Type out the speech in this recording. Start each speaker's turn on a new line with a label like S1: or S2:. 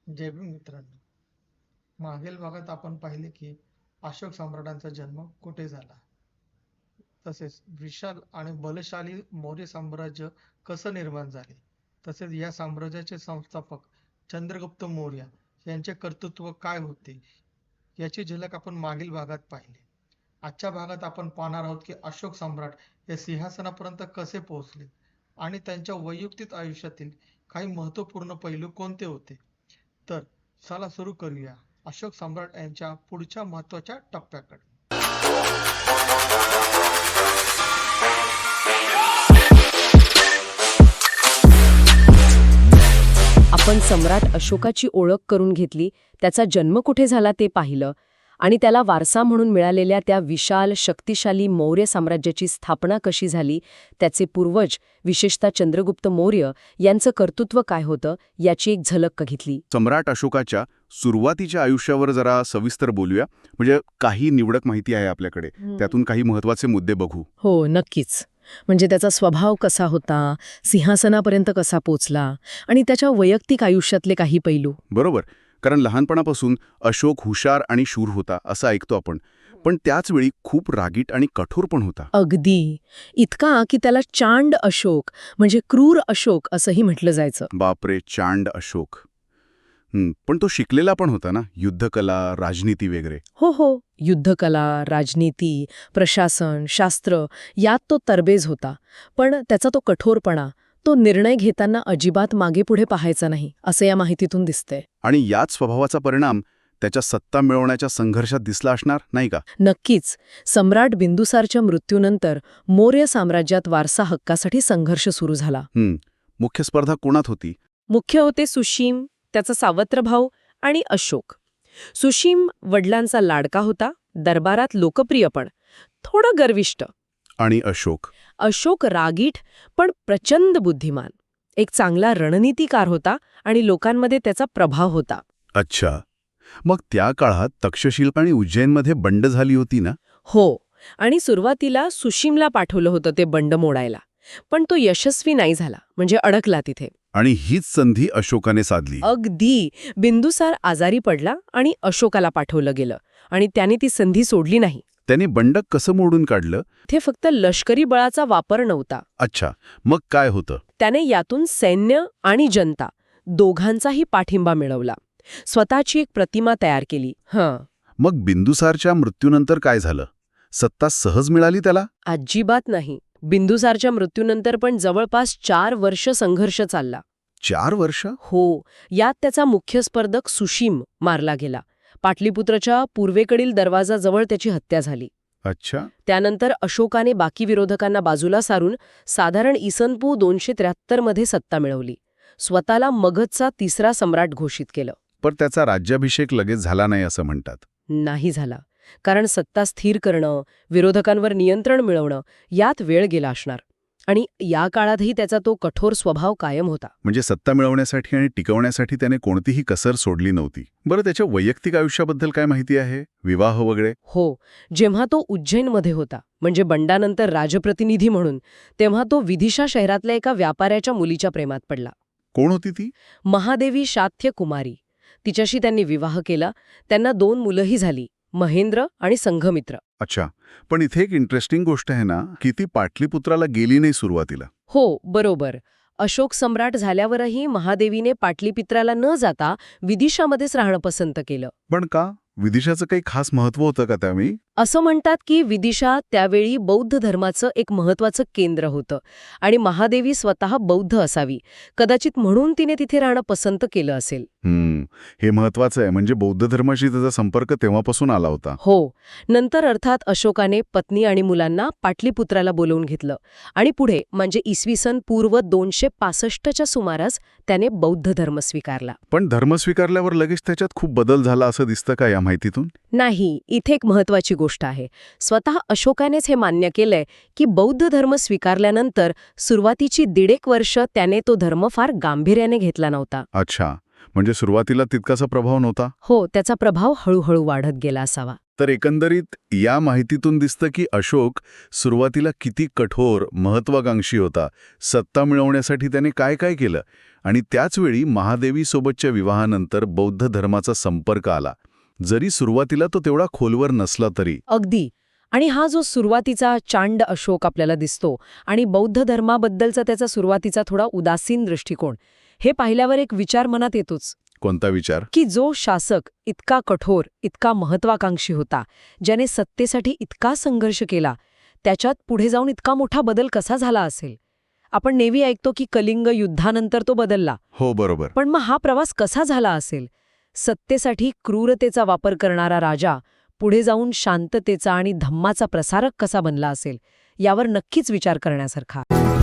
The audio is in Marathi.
S1: जय भीम मित्रांनो. मागील भागात आपण पाहिले की अशोक सम्राटांचा जन्म कुठे झाला, तसेच विशाल आणि बलशाली मौर्य साम्राज्य कसं निर्माण झाले, तसेच या साम्राज्याचे संस्थापक चंद्रगुप्त मौर्य यांचे कर्तृत्व काय होते याची झलक आपण मागील भागात पाहिली. आजच्या भागात आपण पाहणार आहोत की अशोक सम्राट हे सिंहासनापर्यंत कसे पोहोचले आणि त्यांच्या वैयक्तिक आयुष्यातील काही महत्त्वपूर्ण पैलू कोणते होते. तर चला सुरू करूया अशोक सम्राट यांच्या पुढच्या महत्वाच्या टप्प्याकडे.
S2: आपण सम्राट अशोकाची ओळख करून घेतली, त्याचा जन्म कुठे झाला ते पाहिलं आणि त्याला वारसा म्हणून मिळालेल्या त्या विशाल शक्तिशाली मौर्य साम्राज्याची स्थापना कशी झाली, त्याचे पूर्वज विशेषतः चंद्रगुप्त मौर्य यांचं कर्तृत्व काय होतं याची एक झलक घेतली.
S3: सम्राट अशोकाच्या सुरुवातीच्या आयुष्यावर जरा सविस्तर बोलूया. म्हणजे काही निवडक माहिती आहे आपल्याकडे, त्यातून काही महत्त्वाचे मुद्दे बघू.
S2: हो, नक्कीच. म्हणजे त्याचा स्वभाव कसा होता, सिंहासनापर्यंत कसा पोचला आणि त्याच्या वैयक्तिक आयुष्यातले काही पैलू.
S3: बरोबर, कारण लहानपणापासून अशोक हुशार आणि शूर होता असं ऐकतो आपण, पण त्याचवेळी खूप रागीट आणि कठोर पण होता.
S2: अगदी. इतका की त्याला चांड अशोक म्हणजे क्रूर अशोक असंही म्हटलं जायचं.
S3: बापरे, चांड अशोक. पण तो शिकलेला पण होता ना, युद्धकला, राजनीती वगैरे.
S2: हो, युद्धकला, राजनीती, प्रशासन, शास्त्र यात तो तरबेज होता. पण त्याचा तो कठोरपणा, तो निर्णय घेताना अजिबात मागेपुढे पाहायचा नाही असं या माहितीतून दिसतंय.
S3: आणि याच स्वभावाचा परिणाम त्याच्या सत्ता मिळवण्याच्या संघर्षात दिसला असणार, नाही का?
S2: नक्कीच. सम्राट बिंदुसारच्या मृत्यूनंतर मौर्य साम्राज्यात वारसा हक्कासाठी संघर्ष सुरू झाला.
S3: मुख्य स्पर्धा कोणात होती?
S2: मुख्य होते सुशीम, त्याचा सावत्र भाऊ आणि अशोक. सुशीम वडिलांचा लाडका होता, दरबारात लोकप्रिय पण थोडं गर्विष्ठ.
S3: आणि अशोक
S2: रागीट पण प्रचंड बुद्धिमान, एक चांगला रणनीतिकार होता आणि लोकांमध्ये त्याचा प्रभाव होता.
S3: अच्छा, मग त्या काळात तक्षशिला आणि उज्जैनमध्ये बंड झाली होती ना?
S2: हो, आणि सुरुवातीला सुशीमला पाठवलं होतं ते बंड मोडायला, पण तो यशस्वी नाही झाला, म्हणजे अडकला तिथे.
S3: आणि हीच संधी अशोकाने साधली.
S2: अगदी. बिंदुसार आजारी पडला आणि अशोकाला पाठवलं गेलं आणि त्याने ती संधी सोडली नाही.
S3: त्याने बंड कसं मोडून काढलं?
S2: ते फक्त लष्करी बळाचा वापर नव्हता.
S3: अच्छा, मग काय होतं?
S2: त्याने यातून सैन्य आणि जनता दोघांचाही पाठिंबा मिळवला, स्वतःची एक प्रतिमा तयार केली.
S3: मग बिंदुसारच्या मृत्यूनंतर काय झालं? सत्ता सहज मिळाली त्याला?
S2: अजिबात नाही. बिंदुसारच्या मृत्यूनंतर पण जवळपास 4 वर्ष संघर्ष चालला.
S3: 4 वर्ष?
S2: हो, यात त्याचा मुख्य स्पर्धक सुशीम मारला गेला. पाटलीपुत्रच्या पूर्वेकडील दरवाजाजवळ त्याची हत्या झाली.
S3: अच्छा.
S2: त्यानंतर अशोकाने बाकी विरोधकांना बाजूला सारून साधारण इसनपू 273 मध्ये सत्ता मिळवली. स्वतःला मगधचा 3रा सम्राट घोषित केलं.
S3: पण त्याचा राज्याभिषेक लगेच झाला नाही असं म्हणतात.
S2: नाही झाला, कारण सत्ता स्थिर करणं, विरोधकांवर नियंत्रण मिळवणं यात वेळ गेला असणार. आणि या काळातही त्याचा तो कठोर स्वभाव कायम होता.
S3: म्हणजे सत्ता मिळवण्यासाठी आणि टिकवण्यासाठी त्याने कोणतीही कसर सोडली नव्हती. बरं, त्याच्या वैयक्तिक आयुष्याबद्दल काय माहिती आहे? विवाह वगैरे?
S2: हो, जेव्हा तो उज्जैनमध्ये होता, म्हणजे बंडानंतर राजप्रतिनिधी म्हणून, तेव्हा तो विदिशा शहरातल्या एका व्यापाऱ्याच्या मुलीच्या प्रेमात पडला.
S3: कोण होती ती?
S2: महादेवी शाथ्य कुमारी. तिच्याशी त्यांनी विवाह केला. त्यांना 2 मुलंही झाली, महेंद्र आणि संघमित्र.
S3: अच्छा, पण इथे एक इंटरेस्टिंग गोष्ट आहे ना, की ती पाटलीपुत्राला गेली नाही सुरुवातीला.
S2: हो, बरोबर. अशोक सम्राट झाल्यावरही महादेवीने पाटलीपुत्राला न जाता विदिशामध्येच राहणं पसंत केलं.
S3: पण का? विदिशाचं काही खास महत्त्व होतं का त्यावेळी?
S2: असं म्हणतात की विदिशा त्यावेळी बौद्ध धर्माचं एक महत्त्वाचं केंद्र होतं आणि महादेवी स्वतः बौद्ध असावी, कदाचित म्हणून तिने तिथे राहणं पसंत केलं असेल.
S3: हे महत्त्वाचं आहे. म्हणजे बौद्ध धर्माशी त्याचा संपर्क तेव्हापासून आला होता.
S2: हो. नंतर अर्थात अशोकाने पत्नी आणि मुलांना पाटलीपुत्राला बोलवून घेतलं आणि पुढे म्हणजे इसवी सन पूर्व 265च्या सुमारास त्याने बौद्ध धर्म स्वीकारला.
S3: पण धर्म स्वीकारल्यावर लगेच त्याच्यात खूप बदल झाला असं दिसतं का या माहितीतून?
S2: नाही, इथे एक महत्त्वाची गोष्ट आहे. स्वतः अशोकानेच हे मान्य केलंय की बौद्ध धर्म स्वीकारल्यानंतर सुरुवातीची 1.5 वर्ष त्याने तो धर्म फार गांभीर्याने घेतला नव्हता.
S3: अच्छा, म्हणजे सुरुवातीला तितकासा प्रभाव नव्हता.
S2: हो, त्याचा प्रभाव हळूहळू वाढत गेला असावा.
S3: तर एकंदरीत या माहितीतून दिसतं की अशोक सुरुवातीला किती कठोर, महत्वाकांक्षी होता. सत्ता मिळवण्यासाठी त्याने काय काय केलं आणि त्याचवेळी महादेवीसोबतच्या विवाहानंतर बौद्ध धर्माचा संपर्क आला. जरी सुरुवातीला तो तेवढा खोलवर नसला तरी.
S2: अगदी. आणि हा जो सुरुवातीचा चांड अशोक आपल्याला दिसतो आणि बौद्ध धर्माबद्दलचा त्याचा सुरुवातीचा थोडा उदासीन दृष्टिकोन, हे पाहिल्यावर एक विचार मनात येतोच
S3: कोणता विचार?
S2: की जो शासक इतका कठोर, इतका महत्वाकांक्षी होता, ज्याने सत्तेसाठी इतका संघर्ष केला, त्याच्यात पुढे जाऊन इतका मोठा बदल कसा झाला असेल? आपण नेहमी ऐकतो की कलिंग युद्धानंतर तो बदलला.
S3: हो, बरोबर.
S2: पण मग हा प्रवास कसा झाला असेल? सत्तेसाठी क्रूरतेचा वापर करणारा राजा पुढे जाऊन शांततेचा आणि धम्माचा प्रसारक कसा बनला असेल, यावर नक्कीच विचार करण्यासारखा.